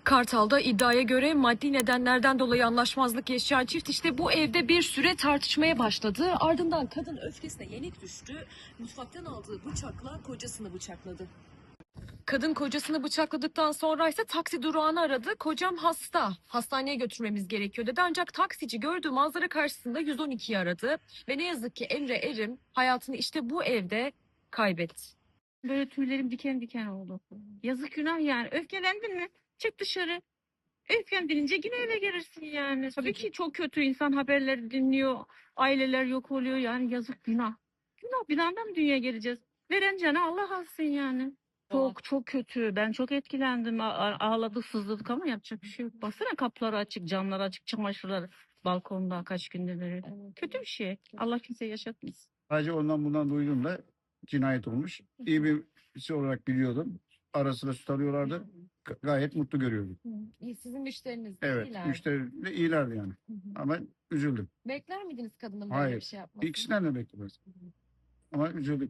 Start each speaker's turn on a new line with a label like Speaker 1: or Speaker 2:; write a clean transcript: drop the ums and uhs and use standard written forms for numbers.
Speaker 1: Kartal'da iddiaya göre maddi nedenlerden dolayı anlaşmazlık yaşayan çift işte bu evde bir süre tartışmaya başladı. Ardından kadın öfkesine yenik düştü. Mutfaktan aldığı bıçakla kocasını bıçakladı. Kadın kocasını bıçakladıktan sonra ise taksi durağını aradı. Kocam hasta, hastaneye götürmemiz gerekiyor dedi. Ancak taksici gördüğü manzara karşısında 112'yi aradı. Ve ne yazık ki Emre Erim hayatını işte bu evde kaybetti.
Speaker 2: Böyle tüylerim diken diken oldu. Yazık günah yani. Öfkelendin mi? Çık dışarı. Öfkelendirince yine eve gelirsin yani. Tabii ki çok kötü, insan haberleri dinliyor. Aileler yok oluyor yani, yazık günah. Günah, binandan mı dünyaya geleceğiz? Veren cana Allah alsın yani. Çok çok kötü. Ben çok etkilendim. Ağladık, sızladık ama yapacak bir şey yok. Baksana, kapıları açık, camları açık, çamaşırlar balkonda kaç gündür beri. Kötü bir şey. Allah kimseye yaşatmasın.
Speaker 3: Sadece ondan bundan duydum da cinayet olmuş. İyi birisi olarak biliyordum. Ara sıra tutarıyorlardı. Gayet mutlu görüyordum.
Speaker 1: Sizin müşteriniz de
Speaker 3: Evet,
Speaker 1: iyiler.
Speaker 3: müşteri de iyilerdi yani. Ama üzüldüm.
Speaker 1: Bekler miydiniz kadının böyle
Speaker 3: Hayır.
Speaker 1: bir şey yapmasını?
Speaker 3: İkisinden de beklemez. Ama üzüldüm.